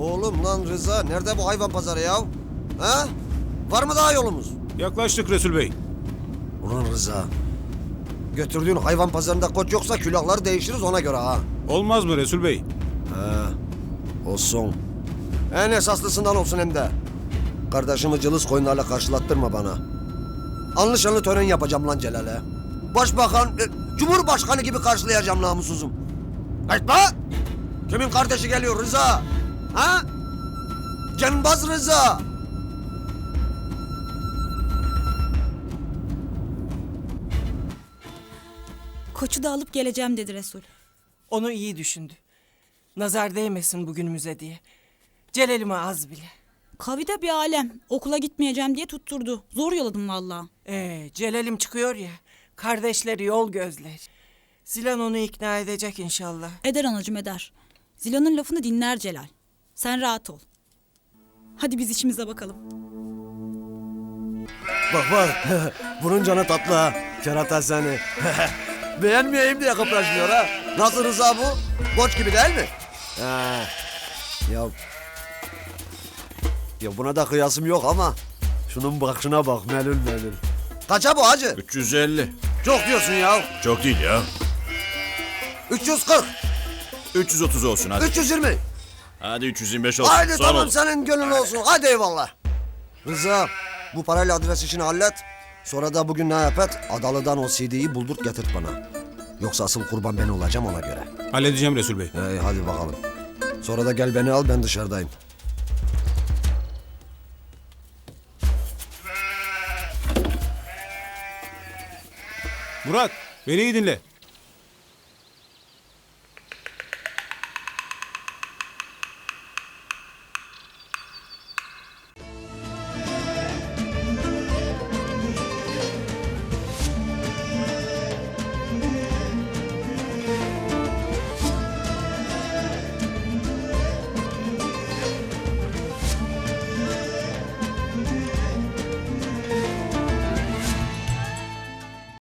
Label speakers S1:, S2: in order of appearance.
S1: Oğlum lan Rıza, nerede bu hayvan pazarı ya? Ha? Var mı daha yolumuz?
S2: Yaklaştık Resul Bey.
S1: Ulan Rıza, götürdüğün hayvan pazarında koç yoksa külahları değişiriz ona göre ha.
S2: Olmaz mı Resul Bey?
S1: Olsun. En esaslısından olsun hem de. Kardeşimi cılız koyunlarla karşılattırma bana. Anlı şanlı tören yapacağım lan Celal'e. Başbakan, Cumhurbaşkanı gibi karşılayacağım namussuzum. Kaçma! Kimin kardeşi geliyor Rıza? Ha? Cembaz Rıza!
S3: Koçu da alıp geleceğim dedi Resul.
S4: Onu iyi düşündü. Nazar değmesin bugünümüze diye. Celal'ime az bile.
S3: Kavi de bir alem. Okula gitmeyeceğim diye tutturdu. Zor yoladım vallahi.
S4: Celal'im çıkıyor ya. Kardeşleri yol gözler. Zilan onu ikna edecek inşallah.
S3: Eder anacığım eder. Zila'nın lafını dinler Celal. Sen rahat ol. Hadi biz işimize bakalım.
S1: Bak bak, bunun canı tatlı ha. Kerata seni. Beğenmeyeyim diye kıpraşmıyor ha. Nasıl Rıza bu? Koç gibi değil mi? Ha. Ya... Ya buna da kıyasım yok ama... Şunun bakışına bak, melül melül. Kaça bu hacı?
S5: 350.
S1: Çok diyorsun ya.
S5: Çok değil ya.
S1: 340,
S5: 330 olsun hadi.
S1: 320.
S5: Hadi 325 olsun.
S1: Haydi
S5: Son
S1: tamam
S5: olun.
S1: senin gönlün olsun. Hadi eyvallah. Rıza, bu parayla adres işini hallet. Sonra da bugün ne yap et? Adalı'dan o CD'yi buldurt getir bana. Yoksa asıl kurban ben olacağım ona göre.
S2: Halledeceğim Resul Bey.
S1: Hadi bakalım. Sonra da gel beni al, ben dışarıdayım.
S2: Murat, beni iyi dinle.